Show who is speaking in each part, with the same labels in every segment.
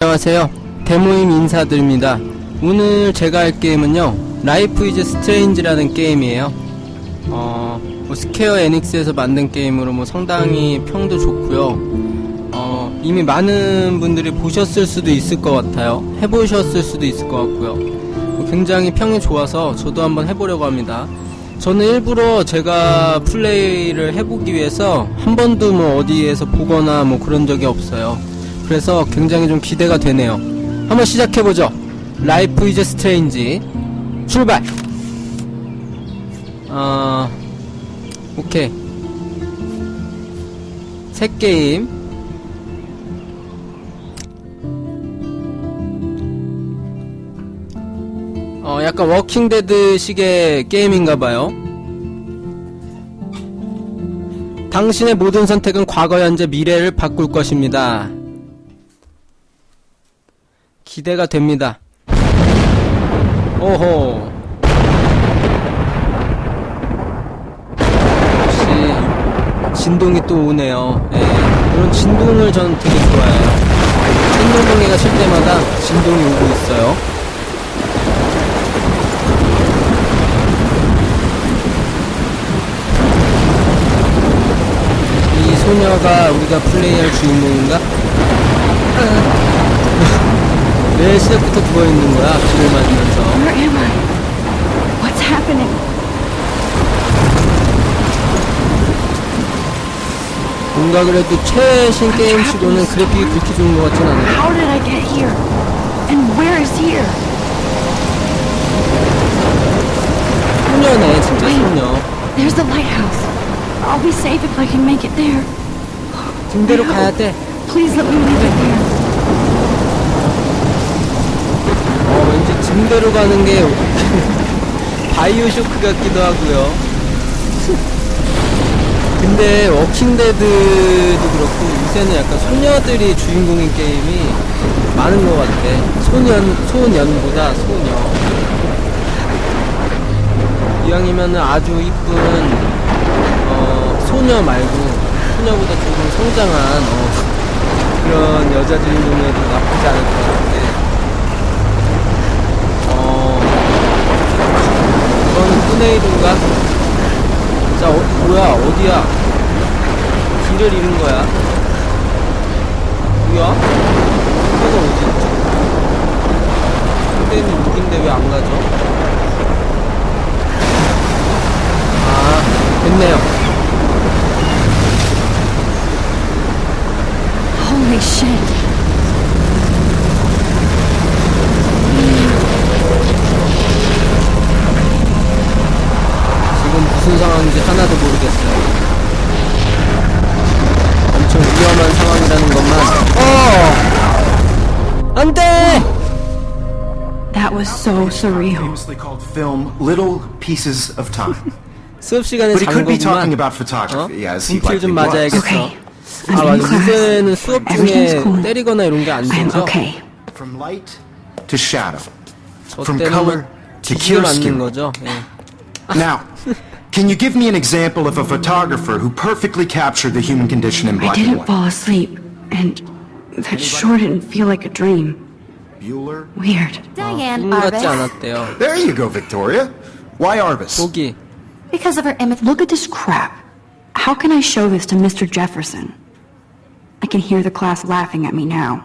Speaker 1: 안녕하세요. 대모임 인사드립니다. 오늘 제가 할 게임은요, 라이프 이즈 스트레인지라는 게임이에요. 스퀘어 에닉스에서 만든 게임으로 상당히 평도 좋고요. 이미 많은 분들이 보셨을 수도 있을 것 같아요. 해보셨을 수도 있을 것 같고요. 굉장히 평이 좋아서 저도 한번 해보려고 합니다. 저는 일부러 제가 플레이를 해보기 위해서 한 번도 어디에서 보거나 그런 적이 없어요. 그래서 굉장히 좀 기대가 되네요. 한번 시작해보죠. 라이프 이즈 스트레인지 출발! 오케이. 새 게임. 약간 워킹데드 식의 게임인가봐요. 당신의 모든 선택은 과거, 현재, 미래를 바꿀 것입니다. 기대가 됩니다. 오호. 역시 진동이 또 오네요. 예, 이런 진동을 저는 되게 좋아해요. 생명동해가 칠 때마다 진동이 오고 있어요. 이 소녀가 우리가 플레이할 주인공인가? 왜 시작부터 누워있는 거야? 비를 맞으면서.
Speaker 2: Where am I? What's happening?
Speaker 1: 뭔가 그래도 최신 게임치고는 그래픽이 그렇게 좋은 것 같진 않아요.
Speaker 2: How did I get here? And where is here?
Speaker 1: 소녀네, 진짜 소녀.
Speaker 2: There's the lighthouse. I'll be safe if I can make it there.
Speaker 1: 등대로 가야 돼.
Speaker 2: Please let me leave it there.
Speaker 1: 왠지 등대로 가는 게 바이오쇼크 같기도 하고요. 근데 워킹데드도 그렇고 요새는 약간 소녀들이 주인공인 게임이 많은 것 같아. 소년보다 소녀. 이왕이면은 아주 이쁜 소녀 말고 소녀보다 조금 성장한 그런 여자 주인공에도 나쁘지 않을 것 같은데. 이거는 토네이도인가? 자, 뭐야, 어디야? 길을 잃은 거야. 뭐야? 이거가 어디 있지? 토네이도 여긴데 왜 안 가죠? 됐네요.
Speaker 2: Holy shit.
Speaker 1: 지금 무슨 상황인지 하나도 모르겠어요. 엄청 위험한 상황이라는 것만. 안 돼!
Speaker 2: That was so surreal.
Speaker 3: Famously called film Little Pieces of Time.
Speaker 1: 수업 시간에
Speaker 3: But he
Speaker 1: 잔
Speaker 3: could be talking
Speaker 1: 거구만.
Speaker 3: about photography, as he
Speaker 1: 분필 좀
Speaker 3: likely was.
Speaker 1: 맞아야겠어.
Speaker 2: Okay.
Speaker 1: 아,
Speaker 2: I'm
Speaker 1: 맞아.
Speaker 2: in class.
Speaker 1: 요새는 수업 중에
Speaker 2: Everything's cool.
Speaker 1: 때리거나 이런 게 안
Speaker 2: I'm
Speaker 1: 되죠?
Speaker 2: okay.
Speaker 3: From light to shadow,
Speaker 1: 저
Speaker 3: from color
Speaker 1: 때는
Speaker 3: to
Speaker 1: 뒤지게 맞는
Speaker 3: chiaroscuro.
Speaker 1: 거죠. 예.
Speaker 3: Now, can you give me an example of a photographer who perfectly captured the human condition in
Speaker 2: I
Speaker 3: black and
Speaker 2: didn't
Speaker 3: white?
Speaker 2: fall asleep, and that sure didn't feel like a dream.
Speaker 3: Bueller?
Speaker 2: Weird.
Speaker 4: Diane
Speaker 1: 꿈 같지
Speaker 4: Arbus.
Speaker 1: 않았대요.
Speaker 3: There you go, Victoria. Why Arbus?
Speaker 1: 보기.
Speaker 4: Because of her image.
Speaker 2: Look at this crap. How can I show this to Mr. Jefferson? I can hear the class laughing at me now.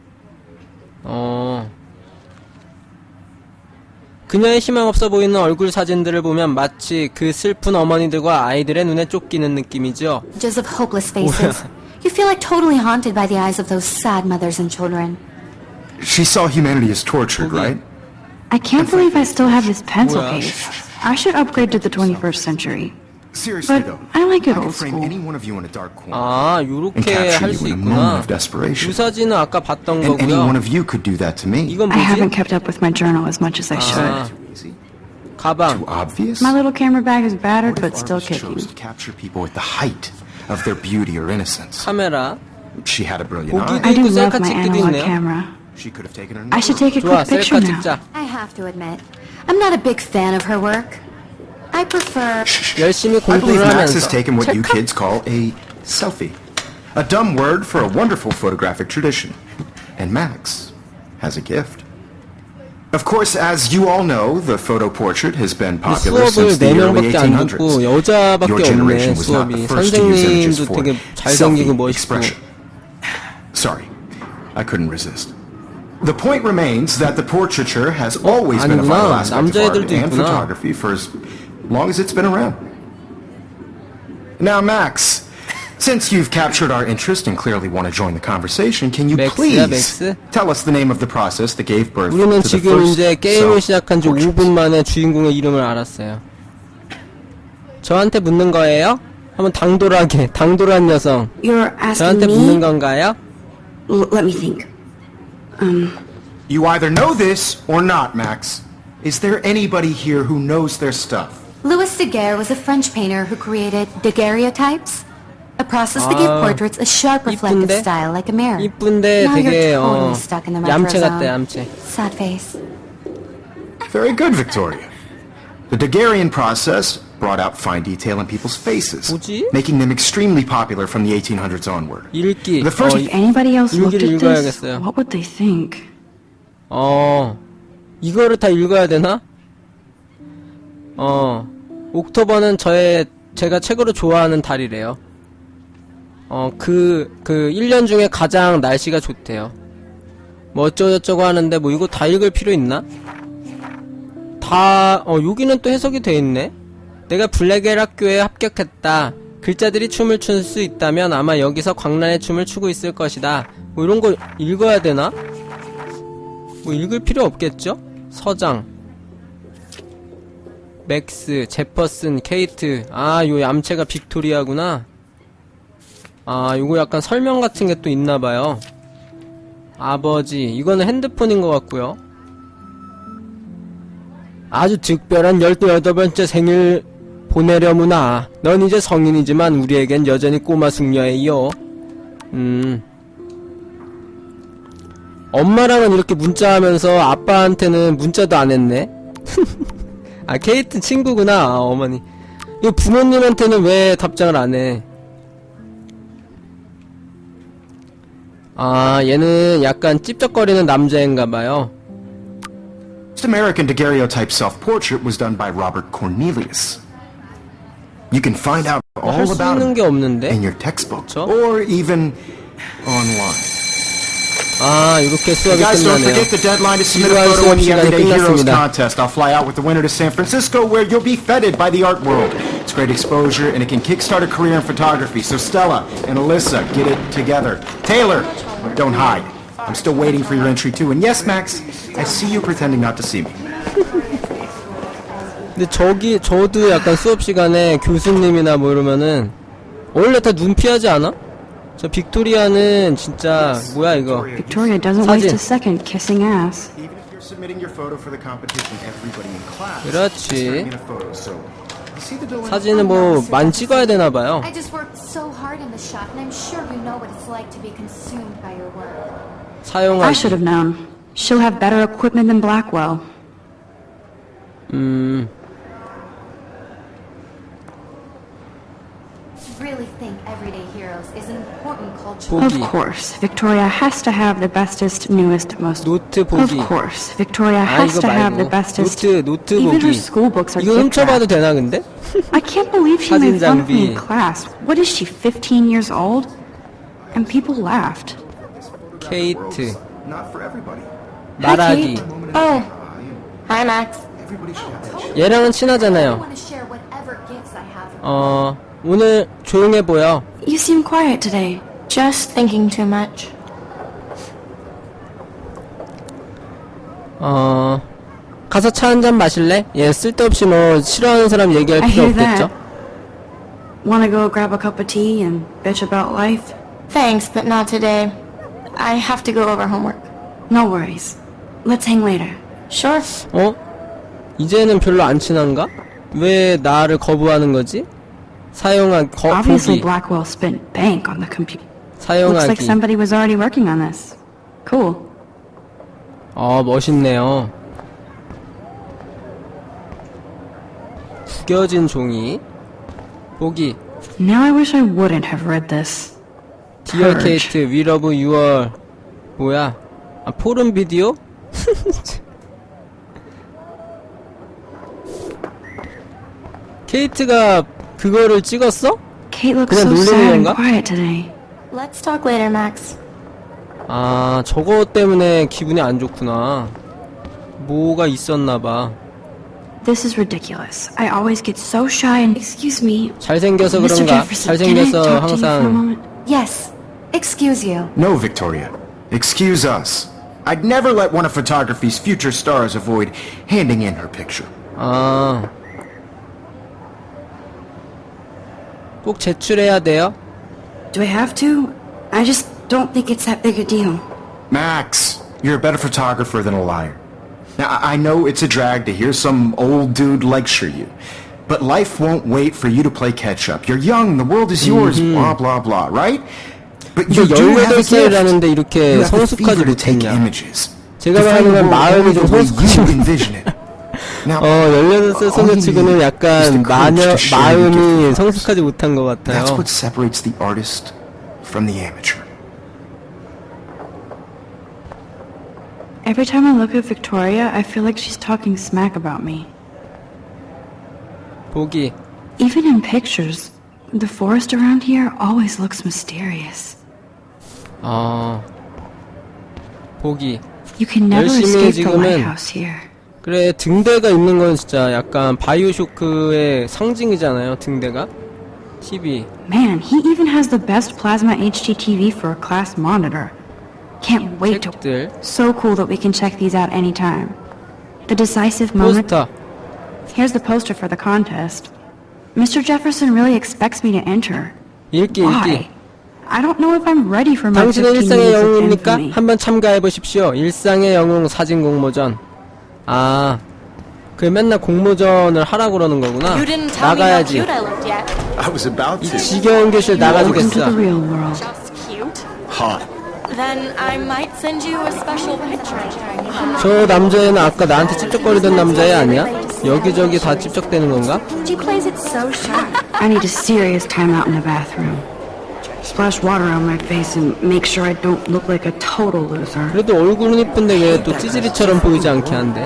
Speaker 1: 그녀의 희망 없어 보이는 얼굴 사진들을 보면 마치 그 슬픈 어머니들과 아이들의 눈에 쫓기는 느낌이죠.
Speaker 4: Images of hopeless faces. You feel like totally haunted by the eyes of those sad mothers and children.
Speaker 3: She saw humanity as tortured, right?
Speaker 2: I can't believe I still have this pencil
Speaker 1: Well,
Speaker 2: case. I should upgrade to the 21st century.
Speaker 3: Seriously,
Speaker 2: But
Speaker 3: though,
Speaker 2: I like it
Speaker 3: I could
Speaker 2: old
Speaker 3: frame
Speaker 2: school.
Speaker 3: any one of you in a dark corner.
Speaker 1: 아,
Speaker 3: And
Speaker 1: 요렇게
Speaker 3: capture
Speaker 1: 할
Speaker 3: you
Speaker 1: 수
Speaker 3: in a moment
Speaker 1: 있구나.
Speaker 3: of desperation.
Speaker 1: 이 사진은 아까 봤던
Speaker 3: And any one
Speaker 1: 거고요.
Speaker 3: of you could do that to me.
Speaker 1: 이건
Speaker 2: I haven't
Speaker 1: 뭐지?
Speaker 2: kept up with my journal as much as I should.
Speaker 3: Easy.
Speaker 1: 가방.
Speaker 3: Too obvious?
Speaker 2: My little camera bag is battered,
Speaker 3: What
Speaker 2: but
Speaker 3: if
Speaker 2: still
Speaker 3: Arbus
Speaker 2: kicking.
Speaker 3: chose to capture people at the height of their beauty or innocence?
Speaker 1: 카메라.
Speaker 3: She had a brilliant
Speaker 1: 보기도
Speaker 3: eye.
Speaker 2: I do
Speaker 1: 있고
Speaker 2: love
Speaker 1: 셀카
Speaker 2: my
Speaker 1: 찍기도
Speaker 2: analog
Speaker 1: 있네요.
Speaker 2: camera.
Speaker 3: She could have taken her
Speaker 2: I should take a
Speaker 1: 좋아,
Speaker 2: quick picture
Speaker 1: 셀카
Speaker 2: now.
Speaker 1: 찍자.
Speaker 4: I have to admit, I'm not a big fan of her work. I prefer.
Speaker 1: 열심히
Speaker 3: I believe
Speaker 1: 공부를
Speaker 3: Max has
Speaker 1: 하면서.
Speaker 3: taken what you kids call a selfie. A dumb word for a wonderful photographic tradition. And Max as a gift. Of course, as you all know, the photo portrait has been
Speaker 1: 근데
Speaker 3: popular
Speaker 1: 수업을
Speaker 3: since the early
Speaker 1: 4명밖에 안 듣고
Speaker 3: 1800s. Your
Speaker 1: 여자밖에 없네
Speaker 3: generation was not
Speaker 1: 수업이.
Speaker 3: the first to use images
Speaker 1: 선생님도
Speaker 3: for
Speaker 1: 되게 잘생기고
Speaker 3: selfie
Speaker 1: 멋있고.
Speaker 3: expression. Sorry, I couldn't resist. The point remains that the portraiture has always been a vital
Speaker 1: 아니구나.
Speaker 3: aspect of art
Speaker 1: 남자애들도
Speaker 3: and
Speaker 1: 있구나.
Speaker 3: photography for as long as it's been around. Now, Max, since you've captured our interest and clearly want to join the conversation, can you
Speaker 1: 맥스야,
Speaker 3: please
Speaker 1: 맥스?
Speaker 3: tell us the name of the process that gave birth
Speaker 1: 우리는
Speaker 3: to the
Speaker 1: 지금
Speaker 3: first
Speaker 1: 이제 게임을 시작한 지
Speaker 3: self-portraits?
Speaker 1: 5분 만에 주인공의 이름을 알았어요. 저한테 묻는 거예요? 한번 당돌한 여성.
Speaker 2: You're asking
Speaker 1: 저한테 묻는
Speaker 2: me?
Speaker 1: 건가요?
Speaker 2: Let me think.
Speaker 3: You either know this or not, Max. Is there anybody here who knows their stuff?
Speaker 4: Louis Daguerre was a French painter who created daguerreotypes, a process that gave portraits a sharp reflective
Speaker 1: 이쁜데?
Speaker 4: style like a mirror.
Speaker 1: 이쁜데
Speaker 4: Now
Speaker 1: 되게
Speaker 4: you're totally stuck in the retro
Speaker 1: 얌체 같다,
Speaker 4: zone.
Speaker 1: 얌체.
Speaker 4: Sad face.
Speaker 3: Very good, Victoria. The Daguerrean process brought out fine detail in people's faces,
Speaker 1: 뭐지?
Speaker 3: making them extremely popular from the 1800s onward.
Speaker 1: 읽기.
Speaker 3: The first-
Speaker 2: If anybody else looked
Speaker 1: 일기를
Speaker 2: at this,
Speaker 1: 읽어야겠어요.
Speaker 2: what would they think?
Speaker 1: 이거를 다 읽어야 되나? 옥토버는 제가 책으로 좋아하는 달이래요. 1년 중에 가장 날씨가 좋대요. 뭐 어쩌고저쩌고 하는데 뭐 이거 다 읽을 필요 있나? 여기는 또 해석이 돼 있네? 내가 블랙엘 학교에 합격했다. 글자들이 춤을 출 수 있다면 아마 여기서 광란의 춤을 추고 있을 것이다. 뭐 이런 거 읽어야 되나? 뭐 읽을 필요 없겠죠? 서장 맥스, 제퍼슨, 케이트. 요 얌체가 빅토리아구나. 요거 약간 설명 같은 게 또 있나봐요. 아버지, 이거는 핸드폰인 것 같고요. 아주 특별한 18번째 생일 보내려무나. 넌 이제 성인이지만 우리에겐 여전히 꼬마 숙녀예요. 엄마랑은 이렇게 문자하면서 아빠한테는 문자도 안 했네. 케이트 친구구나. 어머니. 이거 부모님한테는 왜 답장을 안 해? 얘는 약간 찝쩍거리는 남자인가봐요.
Speaker 3: first American daguerreotype self-portrait was done by Robert Cornelius. You can find out all
Speaker 1: 할 수
Speaker 3: about
Speaker 1: 있는
Speaker 3: him
Speaker 1: 게 없는데?
Speaker 3: in your textbook
Speaker 1: 그쵸?
Speaker 3: or even online.
Speaker 1: 이렇게 수업이
Speaker 3: Guys, don't
Speaker 1: 끝나네요.
Speaker 3: forget the deadline to submit a
Speaker 1: 일요일
Speaker 3: photo in the
Speaker 1: 수업 시간이
Speaker 3: Everyday Heroes
Speaker 1: 끝났습니다.
Speaker 3: contest. I'll fly out with the winner to San Francisco, where you'll be feted by the art world. It's great exposure, and it can kickstart a career in photography. So Stella and Alyssa, get it together. Taylor, don't hide. I'm still waiting for your entry too. And yes, Max, I see you pretending not to see me.
Speaker 1: 근데 저도 약간 수업 시간에 교수님이나 뭐 이러면은 원래 다 눈 피하지 않아? 저 빅토리아는 진짜 뭐야 이거?
Speaker 2: Victoria doesn't
Speaker 1: 사진.
Speaker 2: waste a second kissing ass.
Speaker 3: Even if you're submitting your photo for the competition, everybody in class
Speaker 1: 그렇지.
Speaker 3: is starting in a photo. So, you see the dilemma?
Speaker 1: 사진은 뭐 많이 찍어야 되나 봐요.
Speaker 4: I just worked so hard in the shop, and I'm sure you know what it's like to be consumed by your work.
Speaker 2: I should
Speaker 1: 사용하기.
Speaker 2: have known. She'll have better equipment than Blackwell.
Speaker 4: Really think Everyday Heroes is an important cultural...
Speaker 2: Of
Speaker 1: 보기.
Speaker 2: course, Victoria has to have the bestest, newest, most...
Speaker 1: 노트
Speaker 2: Of
Speaker 1: 보기.
Speaker 2: course, Victoria has
Speaker 1: 이거
Speaker 2: to have the
Speaker 1: 말고
Speaker 2: bestest...
Speaker 1: 노트
Speaker 2: Even her
Speaker 1: 보기.
Speaker 2: school books are
Speaker 1: 이거
Speaker 2: gift
Speaker 1: 훔쳐봐도
Speaker 2: wrapped.
Speaker 1: 되나 근데?
Speaker 2: I can't believe she
Speaker 1: 사진
Speaker 2: made fun of me in
Speaker 1: 장비.
Speaker 2: class. What is she, 15 years old? And people laughed.
Speaker 1: 케이트.
Speaker 3: Not for everybody.
Speaker 1: 말하기.
Speaker 2: Kate.
Speaker 4: Oh. Hi, Max.
Speaker 3: Everybody should have that.
Speaker 1: 얘랑은
Speaker 4: I
Speaker 1: 친하잖아요.
Speaker 4: want to share whatever gifts I have.
Speaker 1: 오늘 조용해 보여.
Speaker 2: You seem quiet today.
Speaker 4: Just thinking too much.
Speaker 1: 가서 차 한 잔 마실래? 얘 쓸데없이 뭐 싫어하는 사람 얘기할
Speaker 2: I
Speaker 1: 필요
Speaker 2: hear
Speaker 1: 없겠죠?
Speaker 2: that. Wanna go grab a cup of tea and bitch about life?
Speaker 5: Thanks, but not today. I have to go over homework.
Speaker 2: No worries. Let's hang later.
Speaker 5: Sure.
Speaker 1: 이제는 별로 안 친한가? 왜 나를 거부하는 거지?
Speaker 2: Obviously,
Speaker 1: 보기.
Speaker 2: Blackwell spent bank on the computer. Looks like
Speaker 1: 사용하기.
Speaker 2: somebody was already working on this. Cool.
Speaker 1: 멋있네요. 구겨진 종이. 보기.
Speaker 2: Now I wish I wouldn't have read this.
Speaker 1: Dear
Speaker 2: Purge.
Speaker 1: Kate, we love your 뭐야? 아, 포름 비디오? 케이트가 그거를 찍었어?
Speaker 2: Kate looks
Speaker 1: 그냥
Speaker 2: so
Speaker 1: 놀리는
Speaker 2: sad and
Speaker 1: 건가?
Speaker 2: quiet today.
Speaker 5: Let's talk later, Max.
Speaker 1: 아, 저거 때문에 기분이 안 좋구나. 뭐가 있었나봐.
Speaker 2: This is ridiculous. I always get so shy and... Excuse me,
Speaker 1: 잘생겨서
Speaker 2: Mr.
Speaker 1: 그런가?
Speaker 2: Jefferson, can I
Speaker 1: 잘생겨서
Speaker 2: talk to you for a
Speaker 1: 항상
Speaker 2: moment?
Speaker 4: Yes. Excuse you.
Speaker 3: No, Victoria. Excuse us. I'd never let one of photography's future stars avoid handing in her picture.
Speaker 1: 아, 꼭 제출해야 돼요?
Speaker 2: Do I have to? I just don't think it's that big a deal.
Speaker 3: Max, you're a better photographer than a liar. Now, I know it's a drag to hear some old dude lecture you, but life won't wait for you to play catch up. You're young, the world is yours, blah, blah, blah, right? But you
Speaker 1: 근데
Speaker 3: do have a
Speaker 1: 18살이라는데
Speaker 3: gift.
Speaker 1: 이렇게
Speaker 3: You have the
Speaker 1: 성숙하지
Speaker 3: fever to take
Speaker 1: 못했냐.
Speaker 3: images.
Speaker 1: 제가
Speaker 3: Define the
Speaker 1: 말하는 건
Speaker 3: world
Speaker 1: 마음이
Speaker 3: only
Speaker 1: 좀
Speaker 3: the way
Speaker 1: 성숙하지
Speaker 3: you
Speaker 1: 못-
Speaker 3: envision it. Now,
Speaker 1: 18살 소녀치고는
Speaker 3: all you need is the
Speaker 1: 약간
Speaker 3: courage to share your gift
Speaker 1: 마음이
Speaker 3: with others.
Speaker 1: 성숙하지 못한 것 같아요.
Speaker 3: That's what separates the artist from the amateur.
Speaker 2: Every time I look at Victoria, I feel like she's talking smack about me.
Speaker 1: 보기.
Speaker 2: Even in pictures, the forest around here always looks mysterious.
Speaker 1: 보기.
Speaker 2: You can never
Speaker 1: 열심히
Speaker 2: escape the
Speaker 1: 지금은-
Speaker 2: lighthouse here.
Speaker 1: 그래, 등대가 있는 건 진짜 약간 바이오쇼크의 상징이잖아요, 등대가. TV.
Speaker 2: Man, he even has the best plasma HD TV for a class monitor. Can't wait to...
Speaker 1: 책들.
Speaker 2: So cool that we can check these out anytime. The decisive moment...
Speaker 1: 포스터.
Speaker 2: Here's the poster for the contest. Mr. Jefferson really expects me to enter.
Speaker 1: 읽기,
Speaker 2: Why?
Speaker 1: 읽기.
Speaker 2: I don't know if I'm ready for my
Speaker 1: 당신의
Speaker 2: 15
Speaker 1: 일상의
Speaker 2: minutes of
Speaker 1: 영웅입니까?
Speaker 2: infamy.
Speaker 1: 한번 참가해 보십시오. 일상의 영웅 사진 공모전. 아, 그 맨날 공모전을 하라고 그러는 거구나.
Speaker 5: You didn't tell me how
Speaker 1: 나가야지.
Speaker 5: cute I looked yet.
Speaker 3: I was about
Speaker 1: 이
Speaker 3: to.
Speaker 1: 지겨운 교실
Speaker 2: Welcome to
Speaker 1: 나가주겠어.
Speaker 2: the real world.
Speaker 5: Just cute?
Speaker 3: Hot.
Speaker 5: Then I might send you a special picture.
Speaker 1: 저 남자애는 아까 나한테 찝쩍거리던 남자애 아니야? 여기저기 다 찝쩍대는 건가?
Speaker 4: She plays it so sharp.
Speaker 2: I need a serious time out in the bathroom. Splash water on my face and make sure I don't look like a total loser.
Speaker 1: 그래도 얼굴은 이쁜데 왜 또 찌질이처럼 보이지 않게 한대?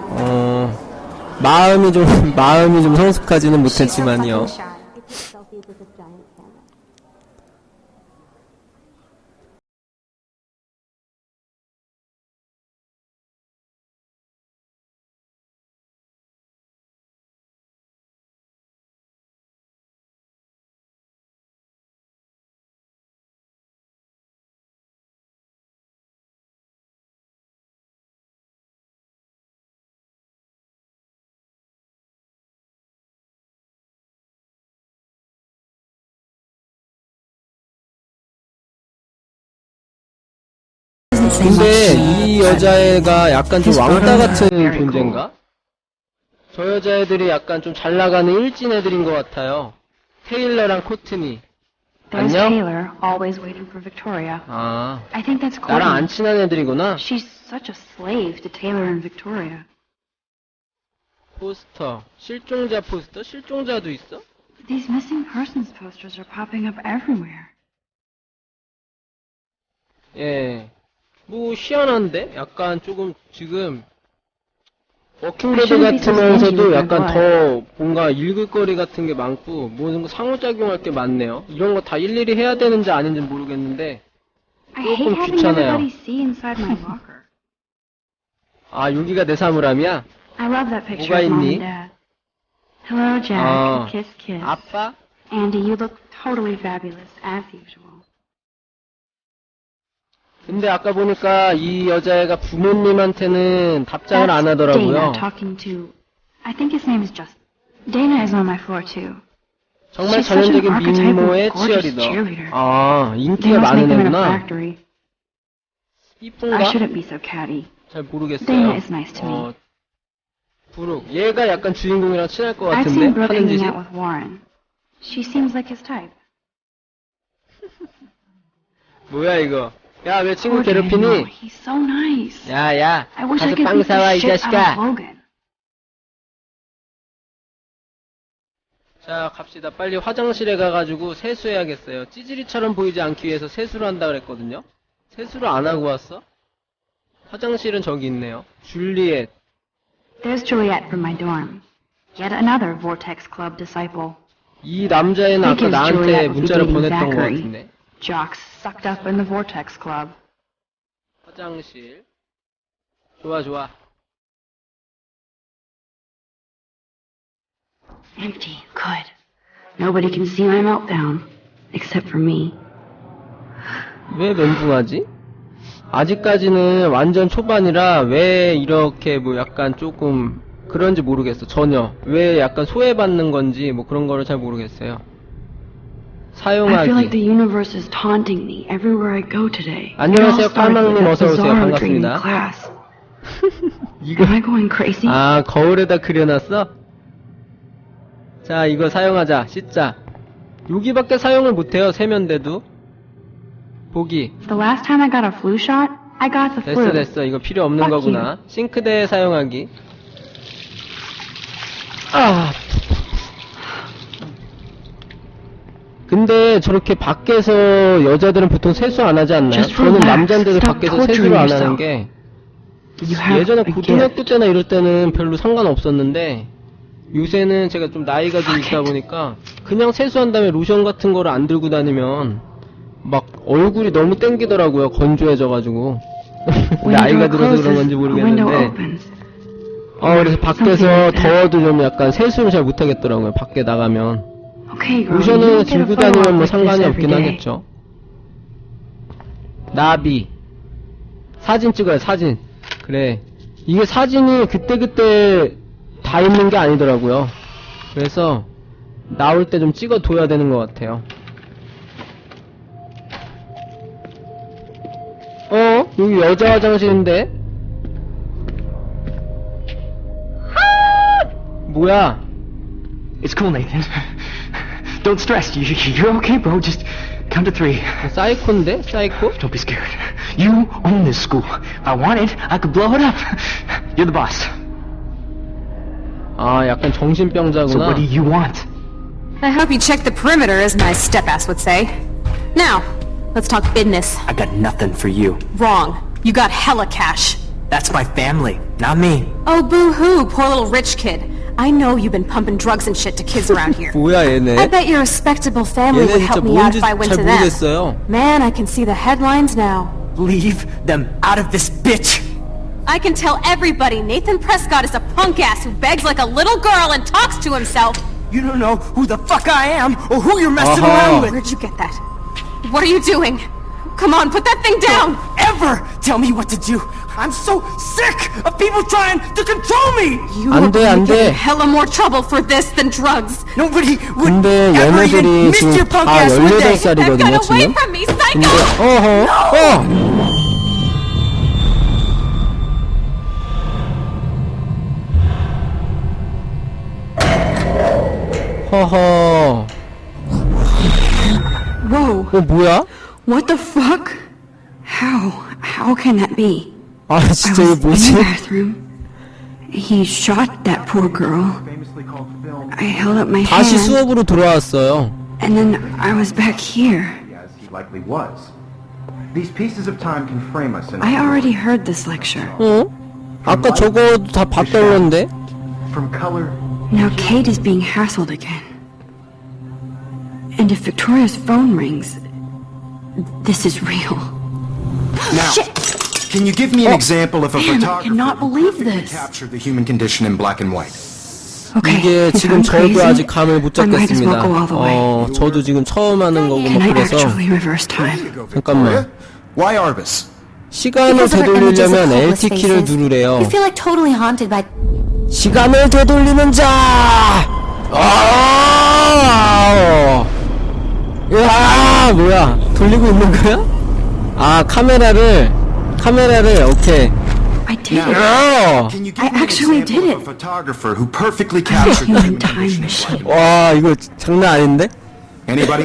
Speaker 1: 마음이 좀 성숙하지는 못했지만요. 근데 이 여자애가 약간 좀 왕따 같은 존재인가? 저 여자애들이 약간 좀 잘 나가는 일진 애들인 것 같아요. 테일러랑 코트니.
Speaker 2: There's
Speaker 1: 안녕?
Speaker 2: Taylor, always waiting for Victoria.
Speaker 1: 아,
Speaker 2: I think that's
Speaker 1: 나랑 안
Speaker 2: Courtney.
Speaker 1: 친한 애들이구나.
Speaker 2: She's such a slave to Taylor and Victoria.
Speaker 1: 포스터. 실종자 포스터? 실종자도 있어?
Speaker 2: These missing persons posters are popping up everywhere.
Speaker 1: 예. 뭐 희한한데? 약간 조금 지금 워킹데드 같으면서도 약간 더 뭔가 읽을 거리 같은 게 많고 뭔가 상호작용할 게 많네요. 이런 거 다 일일이 해야 되는지 아닌지 모르겠는데
Speaker 2: I hate
Speaker 1: 조금
Speaker 2: having
Speaker 1: 귀찮아요.
Speaker 2: everybody see inside my locker.
Speaker 1: 아, 여기가 내 사물함이야?
Speaker 2: I love that picture
Speaker 1: 뭐가
Speaker 2: of Mom
Speaker 1: 있니?
Speaker 2: and Dad. Hello, Jack.
Speaker 1: 아,
Speaker 2: Kiss, kiss.
Speaker 1: 아빠?
Speaker 2: Andy, you look totally fabulous, as usual.
Speaker 1: 근데 아까 보니까 이 여자애가 부모님한테는 답장을 안
Speaker 2: That's
Speaker 1: 하더라고요.
Speaker 2: Dana talking to... I think his name is Justin. Dana is on my floor, too.
Speaker 1: 정말
Speaker 2: She's such an
Speaker 1: 전형적인
Speaker 2: archetypal
Speaker 1: 민모의
Speaker 2: gorgeous
Speaker 1: 치어리더.
Speaker 2: cheerleader.
Speaker 1: 아,
Speaker 2: They
Speaker 1: 인기가
Speaker 2: must
Speaker 1: 많은
Speaker 2: make them in a
Speaker 1: 애구나.
Speaker 2: factory. I
Speaker 1: 이쁜가?
Speaker 2: shouldn't be so catty.
Speaker 1: 잘 모르겠어요.
Speaker 2: Dana is nice to me.
Speaker 1: 브룩. 얘가 약간 주인공이랑 친할 것
Speaker 2: I've
Speaker 1: 같은데?
Speaker 2: seen Brooke
Speaker 1: 하는
Speaker 2: hanging
Speaker 1: 짓이?
Speaker 2: out with Warren. She seems like his type.
Speaker 1: 뭐야 이거? 야, 왜 친구
Speaker 2: Poor Daniel,
Speaker 1: 괴롭히니?
Speaker 2: he's so nice.
Speaker 1: 야, 야.
Speaker 2: I wish I
Speaker 1: 가서
Speaker 2: could
Speaker 1: 빵
Speaker 2: beat the
Speaker 1: 사와, 이
Speaker 2: shit out of
Speaker 1: 자식아.
Speaker 2: Logan.
Speaker 1: 자, 갑시다. 빨리 화장실에 가가지고 세수해야겠어요. 찌질이처럼 보이지 않기 위해서 세수를 한다 그랬거든요? 세수를 안 하고 왔어? 화장실은 저기 있네요. 줄리엣.
Speaker 2: There's Juliet from my dorm. Yet another Vortex Club disciple.
Speaker 1: 이 남자애는 아까 나한테 문자를 보냈던 것 같은데.
Speaker 2: Jocks sucked up in the Vortex Club.
Speaker 1: 화장실. 좋아, 좋아.
Speaker 2: Empty. Good. Nobody can see my meltdown. Except for me.
Speaker 1: 왜 멘붕하지? 아직까지는 완전 초반이라 왜 이렇게 뭐 약간 조금 그런지 모르겠어. 전혀. 왜 약간 소외받는 건지 뭐 그런 거를 잘 모르겠어요.
Speaker 2: I feel like
Speaker 1: 사용하기.
Speaker 2: the universe is taunting me everywhere I go today.
Speaker 1: 안녕하세요,
Speaker 2: It all started with
Speaker 1: 깔망님.
Speaker 2: that
Speaker 1: 어서 오세요.
Speaker 2: bizarro dream in
Speaker 1: 반갑습니다.
Speaker 2: class. Am I going crazy?
Speaker 1: 아, 거울에다 그려놨어? 자, 이거 사용하자. 씻자. 여기밖에 사용을 못해요. 세면대도. 보기.
Speaker 2: The last time I got a flu shot, I got the
Speaker 1: 됐어,
Speaker 2: flu.
Speaker 1: 됐어. 이거 필요 없는
Speaker 2: Fuck
Speaker 1: 거구나. 싱크대 사용하기. 아. 근데 저렇게 밖에서 여자들은 보통 세수 안 하지 않나요?
Speaker 2: Just
Speaker 1: 저는
Speaker 2: relax.
Speaker 1: 남자인데도
Speaker 2: Stop
Speaker 1: 밖에서
Speaker 2: torturing
Speaker 1: 세수를 안 하는
Speaker 2: yourself.
Speaker 1: 게
Speaker 2: You have
Speaker 1: 예전에
Speaker 2: a
Speaker 1: 고등학교
Speaker 2: gift.
Speaker 1: 때나 이럴 때는 별로 상관없었는데 요새는 제가 좀 나이가 좀 있다 보니까 그냥 세수한 다음에 로션 같은 거를 안 들고 다니면 막 얼굴이 너무 땡기더라고요. 건조해져가지고.
Speaker 2: When
Speaker 1: 나이가
Speaker 2: the door
Speaker 1: 들어서 그런
Speaker 2: closes,
Speaker 1: 건지
Speaker 2: a window
Speaker 1: 모르겠는데
Speaker 2: opens.
Speaker 1: 그래서
Speaker 2: Something
Speaker 1: 밖에서
Speaker 2: like that.
Speaker 1: 더워도 좀 약간 세수를 잘 못하겠더라고요. 밖에 나가면.
Speaker 2: Okay, girl, you
Speaker 1: 로션을
Speaker 2: don't get a
Speaker 1: 들고
Speaker 2: photo
Speaker 1: 다니면
Speaker 2: op
Speaker 1: 뭐
Speaker 2: like this
Speaker 1: 상관이
Speaker 2: every
Speaker 1: 없긴
Speaker 2: day.
Speaker 1: 하겠죠. 나비. 사진 찍어요, 사진. 그래. 이게 사진이 그때그때 다 있는 게 아니더라고요. 그래서 나올 때 좀 찍어둬야 되는 것 같아요. 여기 여자 화장실인데? 뭐야?
Speaker 6: It's cool, Nathan. Don't stress. You're okay, bro. Just count to 3.
Speaker 1: 사이코인데? 사이코?
Speaker 6: Don't be scared. You own this school. If I wanted, I could blow it up. You're the boss.
Speaker 1: 아, 약간
Speaker 6: So
Speaker 1: 정신병자구나.
Speaker 6: what do you want?
Speaker 7: I hope you checked the perimeter, as my step-ass would say. Now, let's talk business.
Speaker 6: I got nothing for you.
Speaker 7: Wrong. You got hella cash.
Speaker 6: That's my family, not me.
Speaker 7: Oh, boo-hoo, poor little rich kid. I know you've been pumping drugs and shit to kids around here.
Speaker 1: 뭐야,
Speaker 7: I
Speaker 1: 얘네?
Speaker 7: bet your respectable family
Speaker 1: 얘네
Speaker 7: would
Speaker 1: 진짜
Speaker 7: help me out
Speaker 1: 뭔지
Speaker 7: if I went
Speaker 1: 잘
Speaker 7: to them.
Speaker 1: 모르겠어요.
Speaker 7: Man, I can see the headlines now.
Speaker 6: Leave them out of this bitch.
Speaker 7: I can tell everybody Nathan Prescott is a punk ass who begs like a little girl and talks to himself.
Speaker 6: You don't know who the fuck I am or who you're messing
Speaker 1: Uh-huh.
Speaker 6: around with.
Speaker 7: Where'd you get that? What are you doing? Come on, put that thing down!
Speaker 6: Ever tell me what to do. I'm so sick of people trying to control me.
Speaker 7: You
Speaker 1: 안
Speaker 7: are
Speaker 1: 돼,
Speaker 7: gonna
Speaker 1: 안
Speaker 7: get
Speaker 1: 돼.
Speaker 7: in hella more trouble for this than drugs.
Speaker 6: Nobody would
Speaker 1: 근데
Speaker 6: ever even
Speaker 1: 얘네들이
Speaker 6: miss
Speaker 1: 지금
Speaker 6: your punk
Speaker 1: 다
Speaker 6: ass, would they?
Speaker 7: 'Get
Speaker 1: 18살이거든요,
Speaker 7: away
Speaker 1: 지금.
Speaker 7: from me,
Speaker 1: 근데,
Speaker 7: psycho!
Speaker 1: 허허.
Speaker 2: Whoa,
Speaker 1: 뭐야?
Speaker 2: what the fuck? How can that be?
Speaker 1: 아,
Speaker 2: I
Speaker 1: 진짜
Speaker 2: was
Speaker 1: 이거
Speaker 2: in the
Speaker 1: 뭐지?
Speaker 2: bathroom. He shot that poor girl.
Speaker 3: Famously called film,
Speaker 2: I held up my
Speaker 1: 다시
Speaker 2: hand,
Speaker 1: 수업으로 돌아왔어요.
Speaker 2: and then I was back here.
Speaker 3: as he likely was. These pieces of time can frame us in
Speaker 2: I already heard this lecture.
Speaker 1: 아까 저거도 다 봤다는데?
Speaker 3: from color.
Speaker 2: Now Kate is being hassled again. And if Victoria's phone rings, this is real.
Speaker 3: Now, can you give me an example of a
Speaker 2: Man, I
Speaker 3: photographer
Speaker 2: cannot
Speaker 3: who
Speaker 2: believe
Speaker 3: perfectly
Speaker 2: this.
Speaker 3: captured the human condition in black and white?
Speaker 2: Okay,
Speaker 1: 이게
Speaker 2: if
Speaker 1: 지금
Speaker 2: I'm
Speaker 1: 저도
Speaker 2: crazy,
Speaker 1: 아직 감을 못
Speaker 2: I might as well
Speaker 1: 잡겠습니다.
Speaker 2: go all the way.
Speaker 1: 저도 지금 처음 하는 거고
Speaker 2: Can
Speaker 1: 뭐
Speaker 2: I
Speaker 1: 그래서
Speaker 2: actually reverse time?
Speaker 1: 잠깐만.
Speaker 3: Why Arbus?
Speaker 1: 시간을
Speaker 4: Because of her images of
Speaker 1: 되돌리려면
Speaker 4: hopeless
Speaker 1: LT 키를
Speaker 4: faces.
Speaker 1: 누르래요.
Speaker 4: You feel like totally haunted by
Speaker 1: 시간을 되돌리는 자! 야, 뭐야? 돌리고 있는 거야? 아, 카메라를, 오케이.
Speaker 2: I did it.
Speaker 3: Can you give
Speaker 2: I
Speaker 3: me an
Speaker 2: actually
Speaker 3: example
Speaker 2: did
Speaker 3: of a
Speaker 2: it.
Speaker 3: photographer who perfectly
Speaker 2: I'm a
Speaker 3: captured the
Speaker 2: human
Speaker 3: human
Speaker 2: time
Speaker 3: condition in
Speaker 2: machine.
Speaker 3: black and white?
Speaker 1: 와, 이거 장난 아닌데?
Speaker 3: Anybody?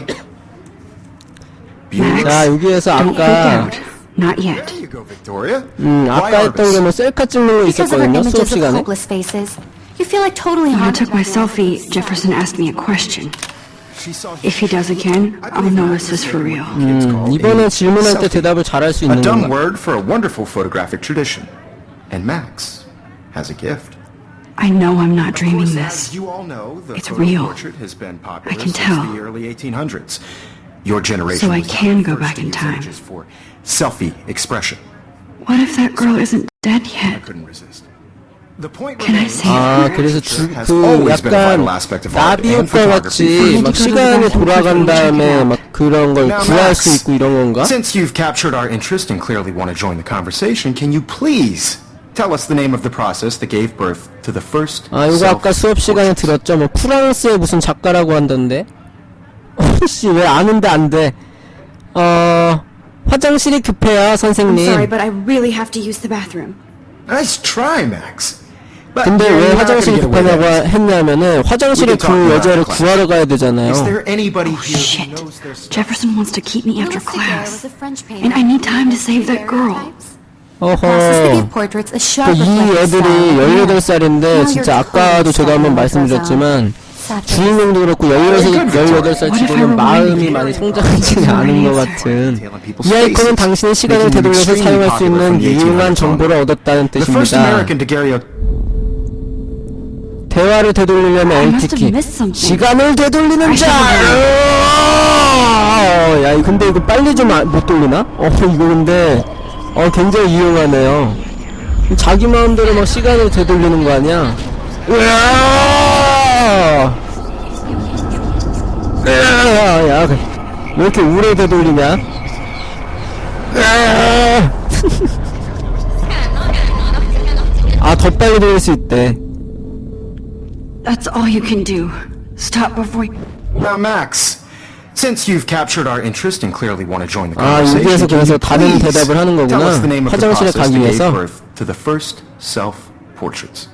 Speaker 2: Max,
Speaker 1: 자, 여기에서
Speaker 2: don't freak
Speaker 1: 아까,
Speaker 2: out. Not yet.
Speaker 3: There you go, Victoria. Why
Speaker 1: 아까 했던 게 뭐 셀카 찍는 거
Speaker 4: because of her
Speaker 1: 있었거든요, 수업
Speaker 4: images of
Speaker 1: 시간에.
Speaker 4: hopeless faces. You feel like totally
Speaker 2: When I
Speaker 4: haunted
Speaker 2: took my
Speaker 4: by them.
Speaker 2: selfie, Jefferson asked me a question. If he does again, I'll know this is for real.
Speaker 1: 이번엔 질문할 때 대답을 잘할 수
Speaker 3: A
Speaker 1: 있는
Speaker 3: dumb
Speaker 1: 건가?
Speaker 3: word for a wonderful photographic tradition. And Max has a gift.
Speaker 2: I know I'm not
Speaker 3: Of
Speaker 2: dreaming
Speaker 3: course,
Speaker 2: this.
Speaker 3: as you all know, the
Speaker 2: It's
Speaker 3: photo
Speaker 2: real.
Speaker 3: portrait has been popular
Speaker 2: I can
Speaker 3: since
Speaker 2: tell.
Speaker 3: the early 1800s. Your generation
Speaker 2: So I
Speaker 3: was not
Speaker 2: can
Speaker 3: the
Speaker 2: go
Speaker 3: first
Speaker 2: back
Speaker 3: to
Speaker 2: in
Speaker 3: use
Speaker 2: time.
Speaker 3: images for selfie expression.
Speaker 2: What if that girl isn't dead
Speaker 3: I
Speaker 2: yet?
Speaker 3: couldn't resist. The point
Speaker 2: Can I
Speaker 3: remains
Speaker 2: say
Speaker 1: 아,
Speaker 2: her?
Speaker 1: 그래서
Speaker 3: has
Speaker 1: 그
Speaker 3: always been a
Speaker 1: 약간
Speaker 3: vital aspect of art
Speaker 1: 나비
Speaker 3: and
Speaker 1: 효과
Speaker 3: photography.
Speaker 1: 같이 막 시간이 돌아간 다음에 막 그런 걸
Speaker 3: Now,
Speaker 1: 구할
Speaker 3: Max,
Speaker 1: 수 있고 이런 건가?
Speaker 3: since you've captured our interest and clearly want to join the conversation, can you please tell us the name of the process that gave birth to the first
Speaker 1: 아, 이거 아까 수업 시간에 들었죠? 뭐 프랑스의 무슨 작가라고 한던데? 씨, 왜 아는데 안 돼? 화장실이 급해요,
Speaker 2: I'm sorry,
Speaker 1: 선생님.
Speaker 2: but I really have to use the bathroom.
Speaker 3: Nice try, Max. But
Speaker 1: 근데
Speaker 3: you're
Speaker 1: 왜
Speaker 3: not
Speaker 1: 화장실이
Speaker 3: gonna get away with
Speaker 1: 급하냐고
Speaker 3: it.
Speaker 1: 했냐면은 화장실에
Speaker 3: We can talk
Speaker 1: 그
Speaker 3: about
Speaker 1: 여자를
Speaker 3: it, class.
Speaker 1: 구하러 가야 되잖아요.
Speaker 3: Is there anybody here
Speaker 2: Shit.
Speaker 3: who knows their stuff?
Speaker 2: Jefferson wants to keep me after
Speaker 4: Louis Daguerre
Speaker 2: class.
Speaker 4: was a French painter
Speaker 2: And I need
Speaker 4: who
Speaker 2: time to
Speaker 4: created
Speaker 2: save that girl.
Speaker 4: daguerreotypes. A process that
Speaker 1: 어허.
Speaker 4: gave portraits a sharp
Speaker 1: 이
Speaker 4: reflective
Speaker 1: 애들이
Speaker 4: style.
Speaker 1: 18살인데
Speaker 4: Now
Speaker 1: 진짜
Speaker 4: your
Speaker 1: 아까도
Speaker 4: clothes
Speaker 1: 제가 한번
Speaker 4: are
Speaker 1: 말씀드렸지만
Speaker 4: saturated.
Speaker 1: 주인공도 그렇고 18살
Speaker 2: What if I
Speaker 1: 치고는
Speaker 2: reminded
Speaker 1: 마음이
Speaker 2: you?
Speaker 1: 많이 성장하지 않은 것 같은 이 아이콘은 당신의 시간을 되돌려서 사용할 수 있는 유용한 정보를 얻었다는
Speaker 3: The first
Speaker 1: 뜻입니다.
Speaker 3: American daguerreotype.
Speaker 1: 대화를 되돌리려면
Speaker 2: I must
Speaker 1: L키키.
Speaker 2: have missed something.
Speaker 1: 시간을 되돌리는 자! 야, 근데 이거 빨리 좀 못 돌리나? 이거 근데 굉장히 유용하네요. 자기 마음대로 막 시간을 되돌리는 거 아니야? 야, 왜 이렇게 오래 되돌리냐? 아, 더 빨리 돌릴 수 있대.
Speaker 2: That's all you can do. Stop before you...
Speaker 3: Now, Max, since you've captured our interest and clearly want to join the
Speaker 1: 아,
Speaker 3: conversation,
Speaker 1: 여기에서
Speaker 3: can you
Speaker 1: 그래서 다른
Speaker 3: please
Speaker 1: 대답을 하는
Speaker 3: tell us the name
Speaker 1: 거구나.
Speaker 3: of the
Speaker 1: 화장실에
Speaker 3: process
Speaker 1: 가기
Speaker 3: that gave
Speaker 1: 위해서.
Speaker 3: birth to the first self-portraits?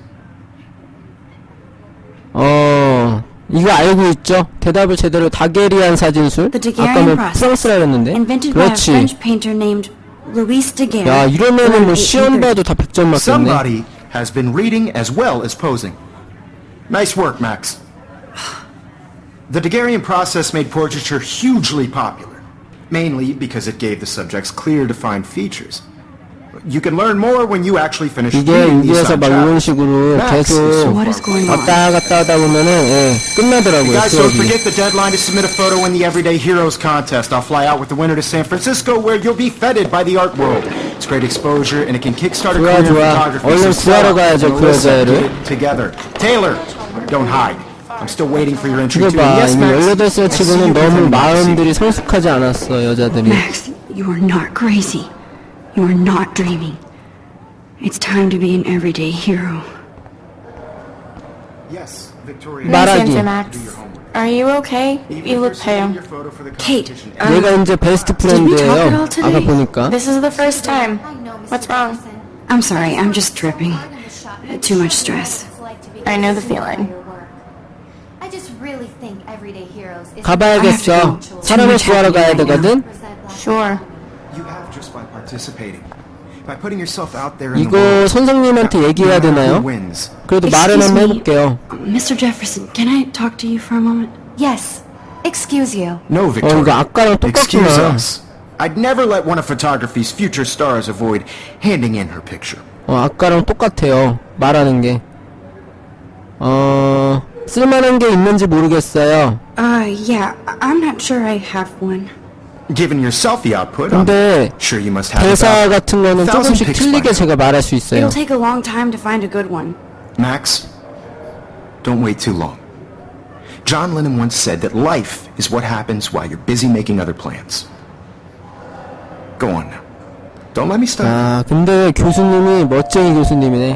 Speaker 1: 이거 알고 있죠? 대답을 제대로 다게리안 사진술?
Speaker 2: The
Speaker 1: 아까
Speaker 2: Daguerrean
Speaker 1: 뭐
Speaker 2: process.
Speaker 1: 프랑스라 그랬는데?
Speaker 2: Invented by a
Speaker 1: 그렇지.
Speaker 2: French painter named Louis Daguerre.
Speaker 1: 야, 이러면은 뭐
Speaker 2: around
Speaker 1: 시험
Speaker 2: 1830.
Speaker 1: 봐도 다 100점 맞겠네.
Speaker 3: Somebody has been reading as well as posing. Nice work, Max. The Daguerrean process made portraiture hugely popular, mainly because it gave the subjects clear, defined features. You can learn more when you actually finish
Speaker 1: 이게
Speaker 3: reading these
Speaker 1: 여기에서 막 이런 식으로
Speaker 3: Max is so
Speaker 1: 계속
Speaker 2: What is going on?
Speaker 1: 왔다 갔다 하다 보면은 끝나더라고요,
Speaker 3: Guys, don't
Speaker 1: 수업이.
Speaker 3: forget the deadline to submit a photo in the Everyday Heroes contest. I'll fly out with the winner to San Francisco, where you'll be feted by the art world. It's great exposure, and it can kickstart a
Speaker 1: 좋아,
Speaker 3: career in
Speaker 1: 좋아.
Speaker 3: photography.
Speaker 1: 얼른
Speaker 3: So
Speaker 1: 구하러
Speaker 3: Stella
Speaker 1: 가야죠,
Speaker 3: and
Speaker 1: 그
Speaker 3: Alyssa,
Speaker 1: 여자애를.
Speaker 3: get it together. Taylor, don't hide. I'm still waiting for your entry
Speaker 1: 이거
Speaker 3: too.
Speaker 1: 봐,
Speaker 3: Yes,
Speaker 1: 이미
Speaker 3: Max.
Speaker 1: 18살
Speaker 3: I see
Speaker 1: 치고는
Speaker 3: you
Speaker 1: 너무
Speaker 3: pretending not to see.
Speaker 1: 마음들이 성숙하지 않았어, 여자들이.
Speaker 2: Max, you are not crazy. You are not dreaming. It's time to be an everyday hero.
Speaker 3: Yes, Victoria.
Speaker 1: 말하기.
Speaker 5: Listen, Max. Are you okay? You look pale.
Speaker 2: Kate,
Speaker 1: 얘가 이제 베스트
Speaker 2: Did we talk at
Speaker 1: 프렌드예요.
Speaker 2: all today?
Speaker 1: 아까 보니까.
Speaker 5: This is the first time. What's wrong?
Speaker 2: I'm sorry, I'm just tripping. Too much stress.
Speaker 5: I know the feeling.
Speaker 4: I just really think everyday heroes is
Speaker 1: 가봐야겠어. 사람을 구하러 가야 되거든.
Speaker 5: Sure.
Speaker 3: You have just by participating. By putting yourself out there in the
Speaker 1: 이거
Speaker 3: world.
Speaker 1: 선생님한테 얘기해야
Speaker 3: No matter
Speaker 1: 되나요?
Speaker 3: who wins.
Speaker 1: 그래도 말은
Speaker 2: Excuse
Speaker 1: 한번
Speaker 2: me.
Speaker 1: 해볼게요.
Speaker 2: Mr. Jefferson, can I talk to you for a moment?
Speaker 4: Yes. Excuse you.
Speaker 3: No, Victoria.
Speaker 1: 이거 아까랑
Speaker 3: Excuse
Speaker 1: 똑같구나.
Speaker 3: us. I'd never let one of photography's future stars avoid handing in her picture.
Speaker 1: 아까랑 똑같아요. 말하는 게. 쓸만한 게 있는지 모르겠어요.
Speaker 2: Yeah, I'm not sure I have one.
Speaker 3: Given your selfie output, I'm
Speaker 1: 근데
Speaker 3: sure you must have
Speaker 1: 대사
Speaker 3: about
Speaker 1: 같은 거는
Speaker 3: 1,000
Speaker 1: 조금씩
Speaker 3: pics by
Speaker 1: 틀리게
Speaker 3: now.
Speaker 1: 제가 말할 수 있어요.
Speaker 2: It'll take a long time to find a good one.
Speaker 3: Max, don't wait too long. John Lennon once said that life is what happens while you're busy making other plans. Go on now. Don't let me stop.
Speaker 1: 아, 근데 교수님이 멋쟁이 교수님이네.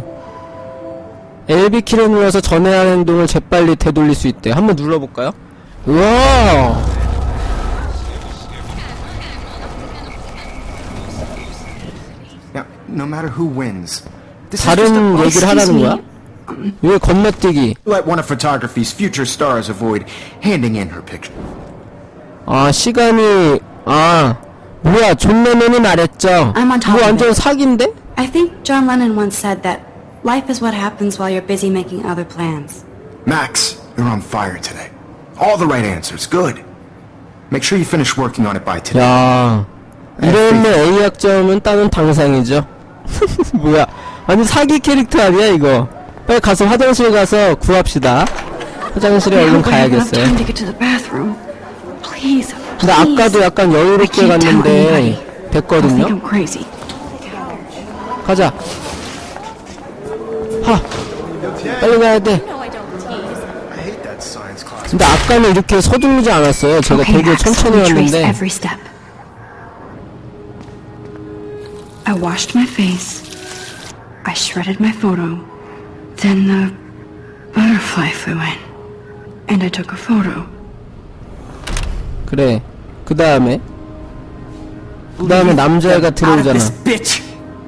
Speaker 1: LB키를 눌러서 전해야 하는 행동을 재빨리 되돌릴 수 있대. 한번 눌러볼까요? 우와!
Speaker 3: Now, no matter who wins, this is just a
Speaker 1: 다른 얘기를
Speaker 2: excuse
Speaker 1: 하라는
Speaker 2: me.
Speaker 1: 거야? 왜 건너뛰기?
Speaker 3: let one of photography's future stars avoid handing in her picture.
Speaker 1: 아, 시간이, 뭐야, 존 레논이 말했죠.
Speaker 2: I'm on top
Speaker 1: 이거
Speaker 2: of
Speaker 1: 완전
Speaker 2: it.
Speaker 1: 사기인데?
Speaker 2: I think John Lennon once said that life is what happens while you're busy making other plans.
Speaker 3: Max, you're on fire today. All the right answers. Good. Make sure you finish working on it by today.
Speaker 1: 야, 이러면 A 학점은 따는 당상이죠. 뭐야? 아니 사기 캐릭터 아니야 이거? 빨리 가서 화장실 가서 구합시다. 화장실에
Speaker 2: I
Speaker 1: 얼른
Speaker 2: hope I have enough
Speaker 1: 가야겠어요.
Speaker 2: time to get to the bathroom. Please,
Speaker 1: 근데
Speaker 2: please.
Speaker 1: 아까도 약간
Speaker 2: I
Speaker 1: 여유롭게
Speaker 2: can't tell
Speaker 1: 갔는데
Speaker 2: anybody. They'll think
Speaker 1: 됐거든요.
Speaker 2: I'm crazy.
Speaker 1: 가자. 하. 빨리 가야 돼. 근데 아까는 이렇게 서두르지 않았어요. 제가
Speaker 2: Okay,
Speaker 1: 되게
Speaker 2: Max,
Speaker 1: 천천히
Speaker 2: let me trace
Speaker 1: 왔는데.
Speaker 2: every step. I washed my face. I shredded my photo. Then the butterfly flew in. And I took a photo.
Speaker 1: 그래. 그 다음에 남자애가 들어오잖아.
Speaker 6: bitch.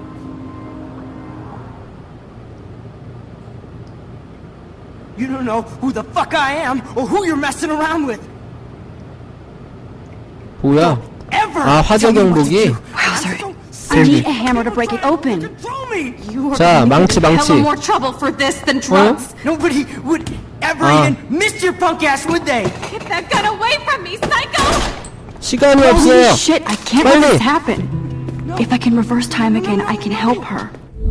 Speaker 6: You don't know who the fuck I am or who you're messing around with.
Speaker 1: 뭐야?
Speaker 6: Ever.
Speaker 1: 아, 화재 경보기.
Speaker 2: Wowzer.
Speaker 7: I need a hammer to break it open.
Speaker 6: Control me.
Speaker 7: You are
Speaker 1: 자,
Speaker 7: going to
Speaker 1: 망치,
Speaker 7: get in
Speaker 1: 망치.
Speaker 7: hella more trouble for this than drugs.
Speaker 6: Nobody would ever
Speaker 1: Ah.
Speaker 6: even miss your punk ass, would they?
Speaker 7: Get that gun away from me, psycho!
Speaker 1: 시간이
Speaker 2: Holy
Speaker 1: 없어요.
Speaker 2: shit, I can't let
Speaker 1: 빨리.
Speaker 2: this happen. If I can reverse time again, I can help her.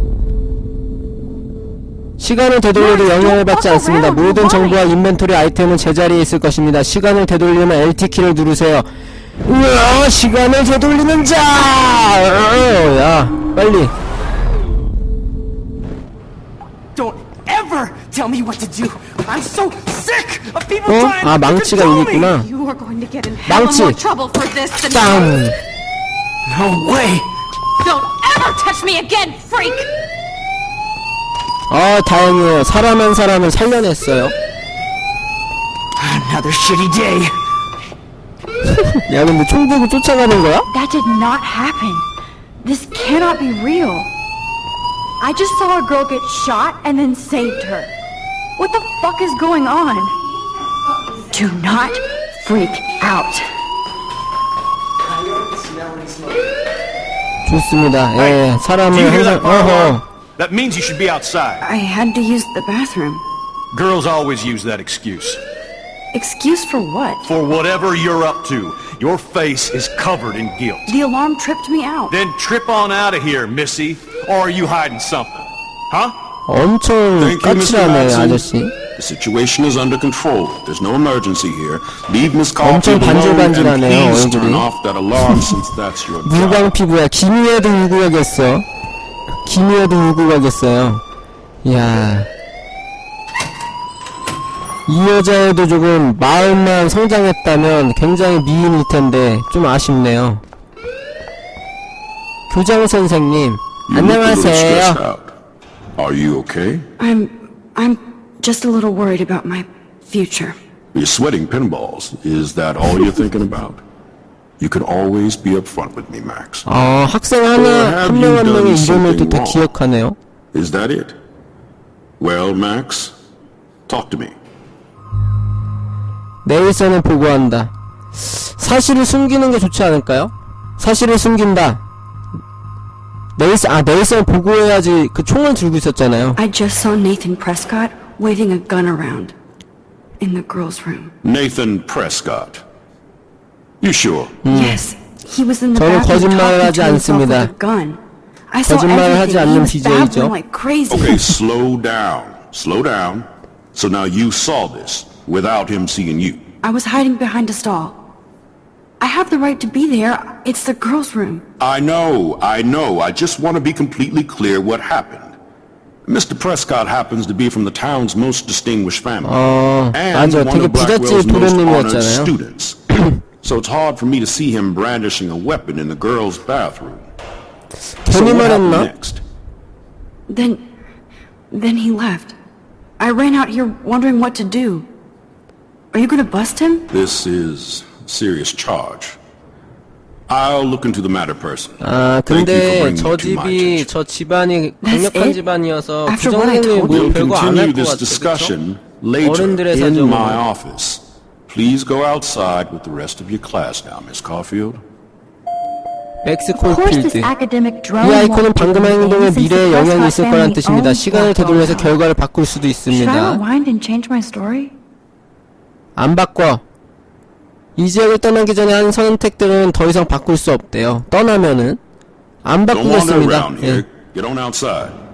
Speaker 1: 시간을 되돌려도 영향을 받지 않습니다. 모든 정보와 인벤토리 아이템은 제자리에 있을 것입니다. 시간을 되돌리면 LT키를 누르세요. 우와, 시간을 되돌리는 자! 야, 빨리.
Speaker 6: Don't ever tell me what to do. I'm so sick of people
Speaker 1: 어?
Speaker 6: trying
Speaker 1: 아,
Speaker 6: to
Speaker 1: 망치가
Speaker 6: control
Speaker 1: 여기
Speaker 6: me.
Speaker 1: 있구나.
Speaker 7: You are going to get in hella
Speaker 1: 망치.
Speaker 7: more trouble for this than
Speaker 1: 땅!
Speaker 7: drugs.
Speaker 6: No way.
Speaker 7: Don't ever touch me again, freak!
Speaker 1: 아, 다행이에요. 사람 한 사람을 살려냈어요.
Speaker 6: Another shitty day.
Speaker 1: 야, 근데 총 들고 쫓아가는 거야?
Speaker 2: That did not happen. This cannot be real. I just saw a girl get shot and then saved her. What the fuck is going on? Do not freak out.
Speaker 1: 좋습니다. 예,
Speaker 8: Do you
Speaker 1: 사람을
Speaker 8: hear
Speaker 1: 항상,
Speaker 8: that, fire alarm?
Speaker 1: 어허.
Speaker 8: That means you should be outside.
Speaker 2: I had to use the bathroom.
Speaker 8: Girls always use that excuse.
Speaker 2: Excuse for what?
Speaker 8: For whatever you're up to, your face is covered in guilt.
Speaker 2: The alarm tripped me out.
Speaker 8: Then trip on out of here, Missy. Or are you hiding something? Huh?
Speaker 1: 엄청
Speaker 9: Thank you, Mr.
Speaker 1: 까칠하네,
Speaker 9: Madsen.
Speaker 1: 아저씨.
Speaker 9: The situation is under control. There's no emergency here. Leave Miss Caulfield
Speaker 1: 엄청
Speaker 9: alone and
Speaker 1: 반질반질하네요,
Speaker 9: please turn
Speaker 1: 얼굴이.
Speaker 9: off that alarm since that's your job.
Speaker 1: 물광 피부야. 김희애도 울고 가겠어. 김희애도 울고 가겠어요. 이야. 이 여자애도 조금 마음만 성장했다면 굉장히 미인일 텐데 좀 아쉽네요. 교장 선생님,
Speaker 9: You look a little stressed
Speaker 1: 안녕하세요.
Speaker 9: out. Are you okay?
Speaker 2: I'm just a little worried about my future.
Speaker 9: You're sweating pinballs. Is that all you're thinking about? You can always be upfront with me, Max.
Speaker 1: 학생 하나, 한 명 한 명의 이름을 다 기억하네요.
Speaker 9: Is that it? Well, Max, talk to me.
Speaker 1: 내일서는 보고한다. 사실을 숨기는 게 좋지 않을까요? 사실을 숨긴다. 내일서는 보고해야지. 그 총을 들고 있었잖아요.
Speaker 2: I just saw Nathan Prescott waving a gun around in the girls' room.
Speaker 9: Nathan Prescott. You sure?
Speaker 2: Yes, he was in the
Speaker 1: 저는
Speaker 2: bathroom
Speaker 1: 거짓말을
Speaker 2: talking
Speaker 1: 하지
Speaker 2: to himself with
Speaker 1: 않습니다.
Speaker 2: a gun. I saw
Speaker 1: 거짓말을 하지
Speaker 2: everything. He
Speaker 1: 않는
Speaker 2: was
Speaker 1: BJ죠.
Speaker 2: babbling like crazy.
Speaker 9: Okay, slow down. Slow down. So now you saw this without him seeing you.
Speaker 2: I was hiding behind a stall. I have the right to be there. It's the girls' room.
Speaker 9: I know. I just want to be completely clear what happened. Mr. Prescott happens to be from the town's most distinguished family. And
Speaker 1: 맞아.
Speaker 9: one
Speaker 1: 되게
Speaker 9: of Blackwell's
Speaker 1: 부잣집
Speaker 9: most honored
Speaker 1: 도련님이었잖아요.
Speaker 9: students. So it's hard for me to see him brandishing a weapon in the girls' bathroom. So
Speaker 1: 괜히
Speaker 9: what happened
Speaker 1: 말했나?
Speaker 9: next?
Speaker 2: Then he left. I ran out here wondering what to do. Are you gonna bust him?
Speaker 9: This is a serious charge. I'll look into the matter personally. Thank you for
Speaker 1: 근데
Speaker 9: bringing
Speaker 1: 저
Speaker 9: it to my
Speaker 1: 집이,
Speaker 9: attention.
Speaker 1: 저 집안이
Speaker 2: That's
Speaker 1: 강력한
Speaker 2: it?
Speaker 1: 집안이어서
Speaker 2: After what I
Speaker 1: 부정행위
Speaker 2: told
Speaker 1: 뭐
Speaker 2: you?
Speaker 9: We'll
Speaker 1: 별거 안 할
Speaker 9: continue
Speaker 1: 것
Speaker 9: this
Speaker 1: 같아.
Speaker 9: discussion
Speaker 1: 그쵸?
Speaker 9: later
Speaker 1: 어른들의
Speaker 9: in my
Speaker 1: 사정으로.
Speaker 9: office. Please go outside with the rest of your class now, Miss Caulfield.
Speaker 1: 맥스
Speaker 4: Of course this
Speaker 1: 콜필드.
Speaker 4: academic
Speaker 1: 이
Speaker 4: drone
Speaker 1: 아이콘은
Speaker 4: won't do
Speaker 1: 방금 한 행동에
Speaker 4: anything since
Speaker 1: 미래에
Speaker 4: the
Speaker 1: 영향이
Speaker 4: Prescott
Speaker 1: 있을 거란
Speaker 4: family
Speaker 1: 뜻입니다.
Speaker 4: owns
Speaker 1: 시간을
Speaker 4: Blackwell
Speaker 1: 되돌려서
Speaker 4: House.
Speaker 1: 결과를 바꿀 수도
Speaker 2: Should I
Speaker 1: 있습니다.
Speaker 2: rewind and change my story?
Speaker 1: 안 바꿔. 이 지역을 떠나기 전에 한 선택들은 더 이상 바꿀 수 없대요. 떠나면은 안
Speaker 9: Don't wander
Speaker 1: 바꾸겠습니다.
Speaker 9: around
Speaker 1: 예.
Speaker 9: here. Get on outside.